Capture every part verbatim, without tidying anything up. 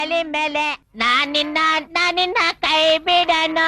ಮೇಲೆ ನಾನಿನ್ನ ನಾನಿನ್ನ ಕೈ ಬಿಡನು.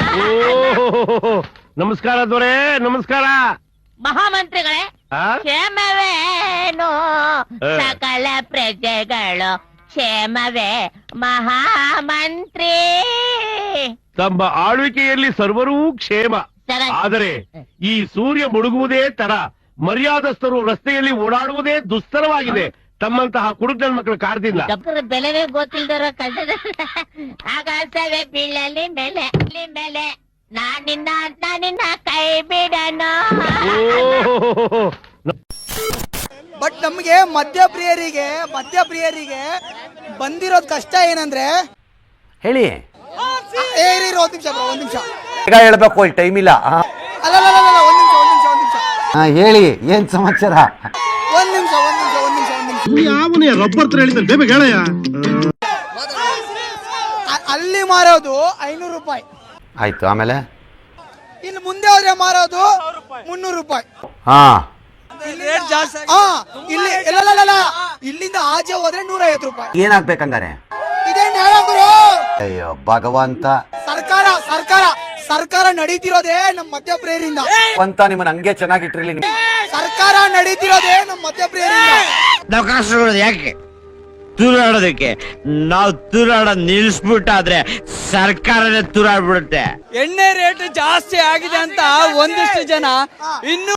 ನಮಸ್ಕಾರ ದೊರೆ, ನಮಸ್ಕಾರ. ಮಹಾಮಂತ್ರಿಗಳೇ, ಕ್ಷೇಮವೇನು ಸಕಲ ಪ್ರಜೆಗಳು ಕ್ಷೇಮವೇ ಮಹಾಮಂತ್ರಿ. ತಮ್ಮ ಆಳ್ವಿಕೆಯಲ್ಲಿ ಸರ್ವರೂ ಕ್ಷೇಮ. ಆದರೆ ಈ ಸೂರ್ಯ ಮುಳುಗುವುದೇ ತರ, ಮರ್ಯಾದಸ್ಥರು ರಸ್ತೆಯಲ್ಲಿ ಓಡಾಡುವುದೇ ದುಸ್ತರವಾಗಿದೆ. ತಮ್ಮಂತಹ ಕುಡುಕನ ಮಕ್ಕಳು ಕಾಡ್ತಿಲ್ಲ. ಬೆಲೆವೇ ಗೊತ್ತಿಲ್ದರೋ ಕಷ್ಟದ ಆಕಾಶವೇ ಬೀಳಲಿ ಮೇಲೆ ಮೇಲೆ ನಾನಿನ್ನ ನಾನಿನ್ನ ಕೈ ಬಿಡನು. ಬಟ್ ನಮ್ಗೆ ಮದ್ಯಪ್ರಿಯರಿಗೆ ಮದ್ಯಪ್ರಿಯರಿಗೆ ಬಂದಿರೋದ್ ಕಷ್ಟ ಏನಂದ್ರೆ, ಹೇಳಿ ಏರಿ ಒಂದ್ ನಿಮಿಷ ಬ್ರೋ, ಒಂದ್ ನಿಮಿಷ ಈಗ ಹೇಳ್ಬೇಕು, ಇಲ್ಲಿ ಟೈಮ್ ಇಲ್ಲ. ಅಲ್ಲ ಒಂದ್ ನಿಮಿಷ ಒಂದ್ ನಿಮಿಷ ಒಂದ್ ನಿಮಿಷ ಹೇಳಿ, ಏನ್ ಸಮಾಚಾರ? ಒಂದ್ ನಿಮಿಷ ಒಂದ್ ನಿಮಿಷ ಒಂದ್ ನಿಮಿಷ ಒಂದ್ ನಿಮಿಷ ಯಾವನೇ ರಬ್ಬರ್ ತರ ಹೇಳಿದ್ದಾನೆ, ಬೇಗ ಹೇಳಯ್ಯ. ಅಲ್ಲಿ ಮಾರೋದು ಐನೂರು ರೂಪಾಯಿ ಆಯ್ತು, ಆಮೇಲೆ ಇಲ್ಲಿ ಮುಂದೆ ಹೋದ್ರೆ ಮಾರೋದು ಮುನ್ನೂರು ರೂಪಾಯಿ. ಹಾ ಹಾ ಇಲ್ಲಿ ಇಲ್ಲ, ಇಲ್ಲಿಂದ ಆಚೆ ಹೋದ್ರೆ ನೂರ ಐವತ್ತು ರೂಪಾಯಿ. ಏನಾಗ್ಬೇಕಂಗಾರೆ? ಇದೇನ್ ಹೇಳೋರು? ಅಯ್ಯೋ ಭಗವಂತ, ಸರ್ಕಾರ ಸರ್ಕಾರ ಸರ್ಕಾರ ನಡೀತಿರೋದೇ ನಮ್ ಮದ್ಯಪ್ರಿಯರಿಂದ. ಅಂತ ನಿಮ್ಮನ್ನ ಹಂಗೆ ಚೆನ್ನಾಗಿಟ್ಟಿರ್ಲಿ. ಸರ್ಕಾರ ನಡೀತಿರೋದೇ ನಮ್ ಮದ್ಯಪ್ರಿಯರಿಂದ. ನಾವು ಕಷ್ಟಗಳು ಯಾಕೆ ತೂರಾಡೋದಕ್ಕೆ? ನಾವು ತೂರಾಡೋದ್ ನಿಲ್ಸ್ಬಿಟ್ಟಾದ್ರೆ ಸರ್ಕಾರನೇ ತೂರಾಡ್ಬಿಡುತ್ತೆ. ಎಣ್ಣೆ ರೇಟ್ ಜಾಸ್ತಿ ಆಗಿದೆ ಅಂತ ಒಂದಿಷ್ಟು ಜನ ಇನ್ನು